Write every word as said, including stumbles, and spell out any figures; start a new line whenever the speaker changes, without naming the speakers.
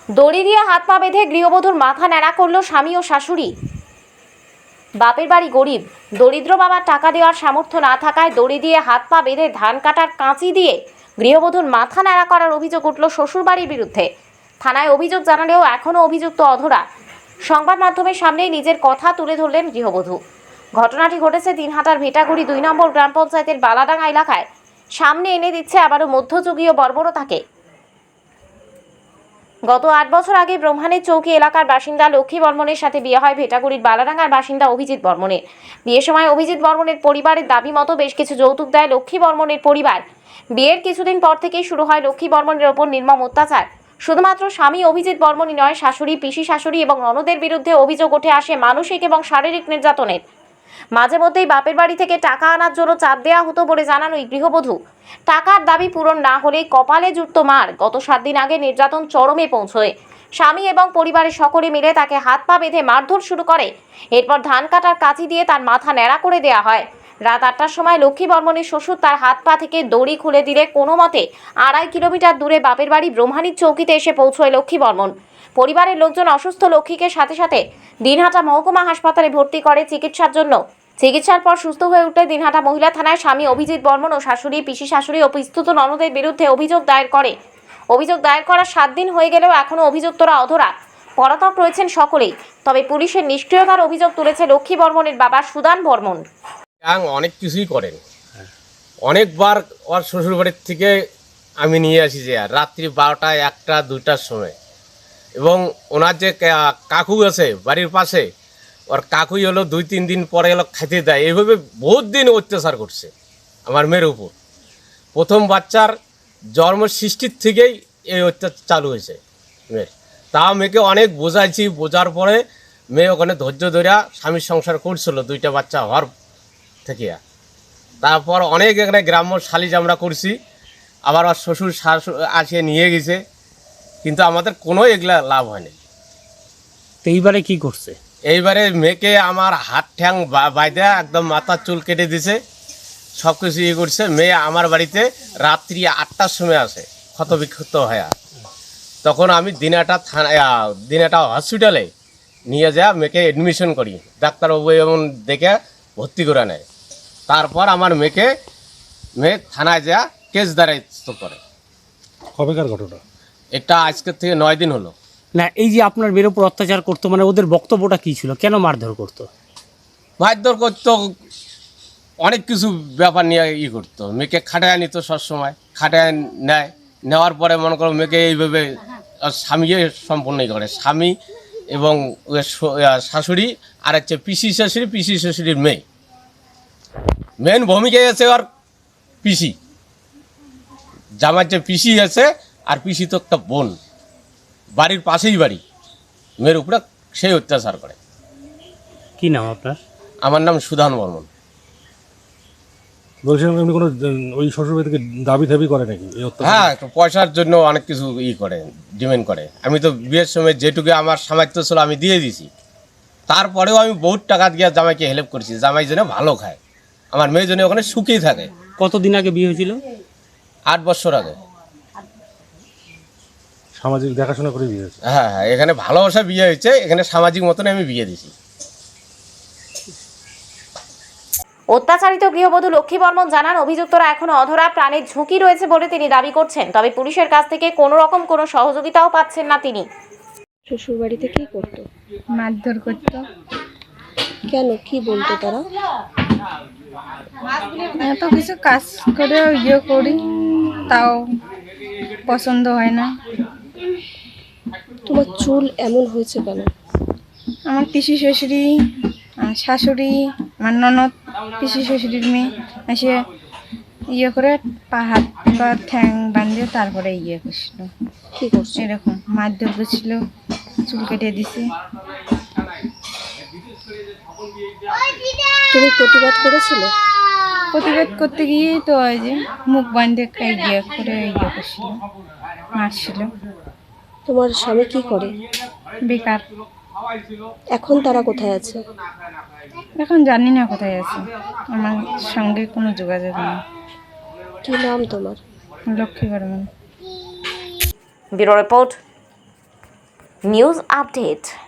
দড়ি দিয়ে হাত পা বেঁধে গৃহবধূর মাথা ন্যাড়া করলো স্বামী ও শাশুড়ি। বাপের বাড়ি গরিব, দরিদ্র বাবার টাকা দেওয়ার সামর্থ্য না থাকায় দড়ি দিয়ে হাত পা বেঁধে ধান কাটার কাঁচি দিয়ে গৃহবধূর মাথা ন্যাড়া করার অভিযোগ উঠল শ্বশুরবাড়ির বিরুদ্ধে। থানায় অভিযোগ জানালেও এখনও অভিযুক্ত অধরা। সংবাদ মাধ্যমের সামনেই নিজের কথা তুলে ধরলেন গৃহবধূ। ঘটনাটি ঘটেছে দিনহাটার ভেটাগুড়ি দুই নম্বর গ্রাম পঞ্চায়েতের বালাডাঙ্গা এলাকায়। সামনে এনে দিচ্ছে আবারও মধ্যযুগীয় বর্বরতাকে। গত আট বছর আগে ব্রহ্মানের চৌকি এলাকার বাসিন্দা লক্ষ্মী বর্মনের সাথে বিয়ে হয় ভেটাগুড়ির বালাডাঙ্গার বাসিন্দা অভিজিৎ বর্মনের। বিয়ের সময় অভিজিৎ বর্মনের পরিবারের দাবি মতো বেশ কিছু যৌতুক দেয় লক্ষ্মী বর্মনের পরিবার। বিয়ের কিছুদিন পর থেকেই শুরু হয় লক্ষ্মী বর্মনের ওপর নির্মম অত্যাচার। শুধুমাত্র স্বামী অভিজিৎ বর্মনই নয়, শাশুড়ি, পিসি শাশুড়ি এবং ননদের বিরুদ্ধে অভিযোগ উঠে আসে মানসিক এবং শারীরিক নির্যাতনের। মাঝে মধ্যেই বাপের বাড়ি থেকে টাকা আনার জন্য চাপ দেওয়া হতো বলে জানান ওই গৃহবধূ। টাকার দাবি পূরণ না হলে কপালে জুটত মার। গত সাত দিন আগে নির্যাতন চরমে পৌঁছয়। স্বামী এবং পরিবারের সকলে মিলে তাকে হাত পা বেঁধে মারধর শুরু করে। এরপর ধান কাটার কাঁচি দিয়ে তার মাথা ন্যাড়া করে দেওয়া হয়। রাত আটটার সময় লক্ষ্মী বর্মনের শ্বশুর তার হাত পা থেকে দড়ি খুলে দিলে কোনো মতে আড়াই কিলোমিটার দূরে বাপের বাড়ি ব্রহ্মানির চৌকিতে এসে পৌঁছয় লক্ষ্মী বর্মন। পরিবারের লোকজন অসুস্থ লক্ষ্মীকে সাথে সাথে দিনহাটা মহকুমা হাসপাতালে ভর্তি করে চিকিৎসার জন্য। চিকিৎসার পর সুস্থ হয়ে উঠলে দিনহাটা মহিলা থানায় স্বামী অভিজিৎ বর্মন ও শাশুড়ি, পিসি শাশুড়ি ও পিস্তুত ননদের বিরুদ্ধে অভিযোগ দায়ের করে। অভিযোগ দায়ের করার সাত দিন হয়ে গেলেও এখনও অভিযুক্তরা অধরা। পলাতক রয়েছেন সকলেই। তবে পুলিশের নিষ্ক্রিয়তার অভিযোগ তুলেছে লক্ষ্মী বর্মনের বাবা সুদান বর্মন।
অনেক কিছুই করেন, অনেকবার ওর শ্বশুরবাড়ির থেকে আমি নিয়ে আসি যে রাত্রি বারোটা একটা দুইটার সময়। এবং ওনার যে কাকু আছে বাড়ির পাশে, ওর কাকুই হলো দুই তিন দিন পরে এলো খেতে দেয়। এইভাবে বহুত দিন অত্যাচার করছে আমার মেয়ের উপর। প্রথম বাচ্চার জন্ম সৃষ্টির থেকেই এই অত্যাচার চালু হয়েছে মেয়ের। তা মেয়েকে অনেক বোঝাইছি, বোঝার পরে মেয়ে ওখানে ধৈর্য ধরে স্বামীর সংসার করছিল দুইটা বাচ্চা হওয়ার থেকে। তারপর অনেক এখানে গ্রাম্য সালিশ আমরা করছি, আবার ওর শ্বশুর শাশু আসিয়ে নিয়ে গেছে, কিন্তু আমাদের কোনো এগুলা লাভ হয়নি।
তো এইবারে কি করছে?
এইবারে মেয়েকে আমার হাত ঠ্যাং বাইদে একদম মাথার চুল কেটে দিছে, সব কিছু ইয়ে করছে। মেয়ে আমার বাড়িতে রাত্রি আটটার সময় আসে ক্ষত বিক্ষত হয়ে। তখন আমি দিনাটা থানা দিনাটা হসপিটালে নিয়ে যা মেয়েকে অ্যাডমিশন করি, ডাক্তারবাবু এমন দেখে ভর্তি করে নেয়। তারপর আমার মেয়েকে মেয়ে থানায় যা কেস দাঁড়াইতে করে।
কবেকার ঘটনা
এটা আজকের থেকে নয় দিন হলো।
না, এই যে আপনার মেয়ের উপর অত্যাচার করতো, মানে ওদের বক্তব্যটা কি ছিল? কেন মারধর করতো?
মারধর করতো, অনেক কিছু ব্যাপার নিয়ে ই করতো। মেয়েকে খাটায় নিত, সবসময় খাটায় নেয়। নেওয়ার পরে মনে করো মেয়েকে এইভাবে স্বামী সম্পূর্ণই করে, স্বামী এবং শাশুড়ি আর হচ্ছে পিসি শাশুড়ি, পিসি শাশুড়ির মেয়ে। মেন ভূমিকায় আছে আর পিসি, জামার যে পিসি আছে, আর পিসি তো একটা বোন, বাড়ির পাশেই বাড়ি। মেয়ের উপরে সেই অত্যাচার করে।
কি নাম আপনার?
আমার নাম সুধান বর্মন।
বলছিলাম এমনি কোনো ওই শ্বশুরবাড়ি থেকে দাবি দাবি করে নাকি?
হ্যাঁ, পয়সার জন্য অনেক কিছু ই করে, ডিমান্ড করে। আমি তো বিয়ের সময় যেটুকু আমার সামর্থ্য ছিল আমি দিয়ে দিছি। তারপরেও আমি বহুত টাকা দিয়ে জামাইকে হেল্প করছি, জামাই যেন ভালো খায়, আমার মেয়ে যেন ওখানে সুখেই থাকে।
কতদিন আগে বিয়ে হয়েছিল?
আট বছর আগে।
সামাজিক দেখাশোনা করে বিয়ে হয়েছে।
হ্যাঁ হ্যাঁ, এখানে ভালোবাসা বিয়ে হয়েছে, এখানে সামাজিক মতন আমি বিয়ে দিছি।
অত্যাচারিত গৃহবধূ লক্ষ্মী বর্মন জানান, অভিযুক্তরা এখনো অধরা, প্রাণের ঝুঁকি রয়েছে বলে তিনি দাবি করছেন। তবে পুলিশের কাছ থেকে কোনো রকম কোনো সহযোগিতাও পাচ্ছেন না তিনি।
শ্বশুর বাড়িতে কি করতো?
মারধর করতো।
কেন, কি বলতো তারা?
এত কিছু কাজ করে ইয়ে করি, তাও পছন্দ হয় না।
তোমার চুল এমন হয়েছে কেন?
আমার পিসি শ্বশুরি, আমার শাশুড়ি, আমার ননদ, পিসি শ্বশুরির মেয়ে এসে ইয়ে করে পা হাত পা ঠ্যাং বাঁধিয়ে তারপরে ইয়ে করছিল।
কি করছে?
এরকম মারধর করছিল, চুল কেটে দিছে।
তুমি প্রতিবাদ করেছিলে?
প্রতিবাদ করতে গিয়ে তো ওই যে মুখ বাঁধে ইয়ে করে ইয়ে করছিল, মারছিল।
তোমার স্বামী কি করে?
বেকার।
এখন তারা কোথায় আছে?
এখন জানি না কোথায় আছে, আমার সঙ্গে কোনো যোগাযোগ নেই।
কি নাম তোমার?
Lakshmi Barman.
Bureau report, news update.